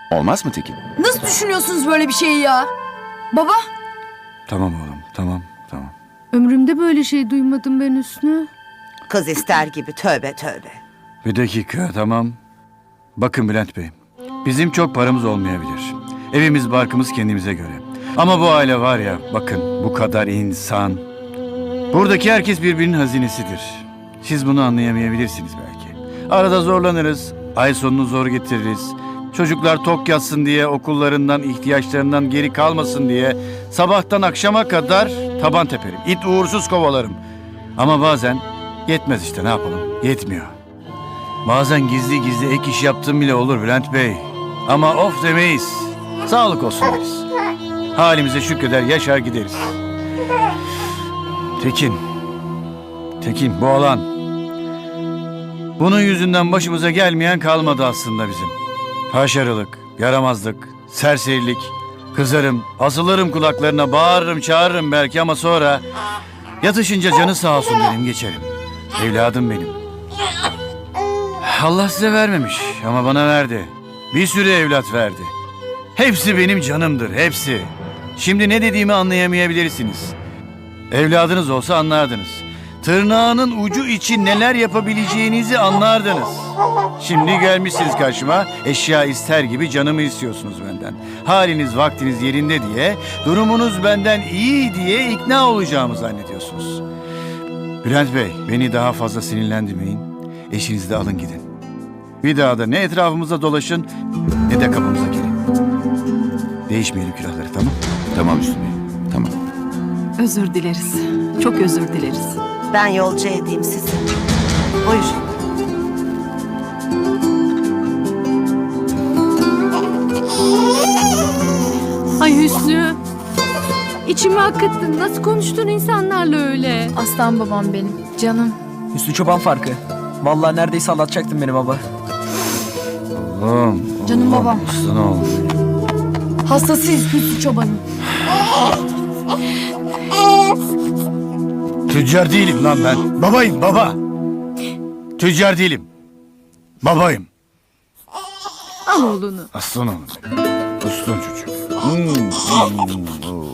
Olmaz mı Tekin? Nasıl düşünüyorsunuz böyle bir şeyi ya? Baba? Tamam oğlum, tamam. Ömrümde böyle şey duymadım ben Hüsnü. Kız ister gibi, tövbe tövbe. Bir dakika, tamam. Bakın Bülent Bey, bizim çok paramız olmayabilir. Evimiz barkımız kendimize göre. Ama bu aile var ya, bakın bu kadar insan. Buradaki herkes birbirinin hazinesidir. Siz bunu anlayamayabilirsiniz belki. Arada zorlanırız, ay sonunu zor getiririz. Çocuklar tok yatsın diye, okullarından, ihtiyaçlarından geri kalmasın diye sabahtan akşama kadar taban teperim. İt uğursuz kovalarım. Ama bazen yetmez işte, ne yapalım? Yetmiyor. Bazen gizli gizli ek iş yaptığım bile olur Bülent Bey. Ama of demeyiz. Sağlık olsun deriz. Halimize şükreder, yaşar gideriz. Tekin bu alan. Bunun yüzünden başımıza gelmeyen kalmadı aslında bizim. Haşarılık, yaramazlık, serserilik. Kızarım, asılırım kulaklarına, bağırırım, çağırırım belki ama sonra... Yatışınca canı sağ olsun derim, geçerim. Evladım benim. Allah size vermemiş ama bana verdi. Bir sürü evlat verdi. Hepsi benim canımdır, hepsi. Şimdi ne dediğimi anlayamayabilirsiniz. Evladınız olsa anlardınız. Tırnağının ucu için neler yapabileceğinizi anlardınız. Şimdi gelmişsiniz karşıma, eşya ister gibi canımı istiyorsunuz benden. Haliniz vaktiniz yerinde diye, durumunuz benden iyi diye ikna olacağımı zannediyorsunuz. Bülent Bey, beni daha fazla sinirlendirmeyin. Eşinizi de alın gidin. Bir daha da ne etrafımıza dolaşın ne de kapımıza gelin. Değişmeyelim külahları, tamam? Tamam Hüsnü Bey, tamam. Özür dileriz. Çok özür dileriz. Ben yolcu edeyim sizi. Buyur. Ay Hüsnü. İçimi akıttın. Nasıl konuştun insanlarla öyle? Aslan babam benim. Canım. Hüsnü Çoban farkı. Vallahi neredeyse anlatacaktın beni baba. Oğlum, Canım babam. Aslan oğlum. Hastasıyız Hüsnü Çoban'ın. Tüccar değilim lan ben. Babayım, baba. Tüccar değilim. Babayım. Al oğlunu. Aslan oğlum. Aslan çocuğum.